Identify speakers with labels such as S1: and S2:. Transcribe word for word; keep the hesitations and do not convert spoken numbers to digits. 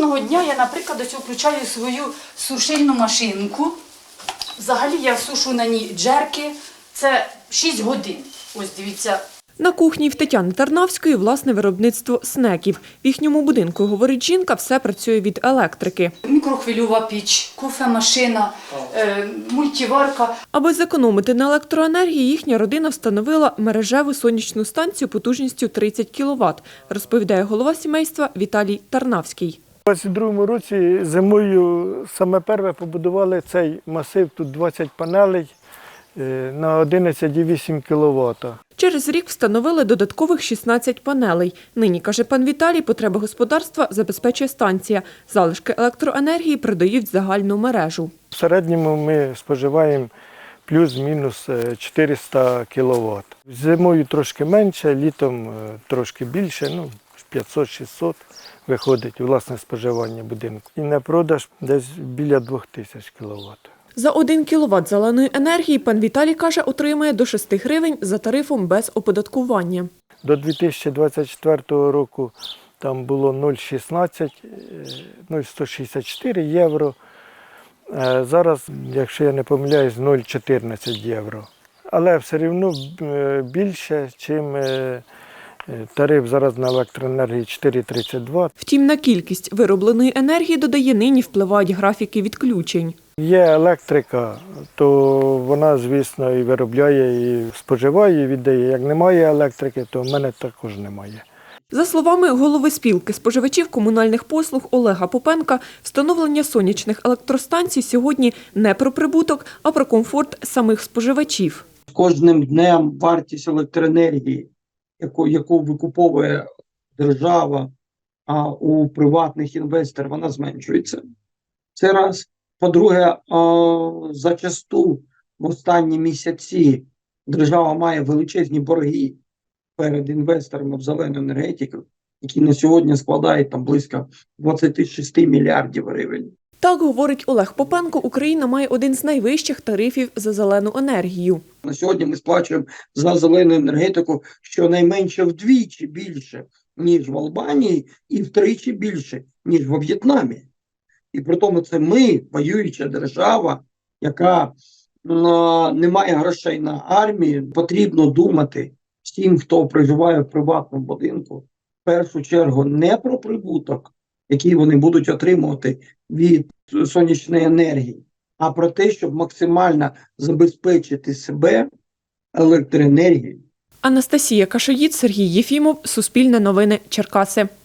S1: Кожного дня я, наприклад, ось включаю свою сушильну машинку. Взагалі я сушу на ній джерки. Це шість годин. Ось дивіться.
S2: На кухні в Тетяни Тарнавської власне виробництво снеків. В їхньому будинку, говорить жінка, все працює від електрики.
S1: Мікрохвильова піч, кофемашина, е, мультиварка.
S2: Аби зекономити на електроенергії, їхня родина встановила мережеву сонячну станцію потужністю тридцять кіловат, розповідає голова сімейства Віталій Тарнавський.
S3: У двадцять другому році зимою саме перше побудували цей масив, тут двадцять панелей на одинадцять цілих вісім кіловат.
S2: Через рік встановили додаткових шістнадцять панелей. Нині, каже пан Віталій, потреби господарства забезпечує станція. Залишки електроенергії продають в загальну мережу.
S3: В середньому ми споживаємо плюс-мінус чотириста кіловат. Зимою трошки менше, літом трошки більше, ну п'ятсот-шістсот виходить власне споживання будинку. І на продаж десь біля двох тисяч кіловат.
S2: За один кіловат зеленої енергії пан Віталій, каже, отримує до шести гривень за тарифом без оподаткування.
S3: До дві тисячі двадцять четвертого року там було нуль цілих шістнадцять, нуль сто шістдесят чотири євро. Зараз, якщо я не помиляюсь, нуль цілих чотирнадцять євро. Але все одно більше, ніж тариф зараз на електроенергії чотири тридцять два.
S2: Втім, на кількість виробленої енергії, додає, нині впливають графіки відключень.
S3: Є електрика, то вона, звісно, і виробляє, і споживає, і віддає. Як немає електрики, то в мене також немає.
S2: За словами голови спілки споживачів комунальних послуг Олега Попенка, встановлення сонячних електростанцій сьогодні не про прибуток, а про комфорт самих споживачів.
S4: З кожним днем вартість електроенергії, яку, яку викуповує держава, а у приватних інвесторів вона зменшується. Це раз. По-друге, зачасту в останні місяці держава має величезні борги перед інвесторами в зелену енергетику, які на сьогодні складають там близько двадцять шість мільярдів гривень.
S2: Так, говорить Олег Попенко, Україна має один з найвищих тарифів за зелену енергію.
S4: На сьогодні ми сплачуємо за зелену енергетику щонайменше вдвічі більше, ніж в Албанії, і втричі більше, ніж во В'єтнамі. І при тому це ми, воююча держава, яка е, не має грошей на армію. Потрібно думати всім, хто проживає в приватному будинку, в першу чергу не про прибуток, який вони будуть отримувати від сонячної енергії, а про те, щоб максимально забезпечити себе електроенергією.
S2: Анастасія Кашоїд, Сергій Єфімов, Суспільне новини, Черкаси.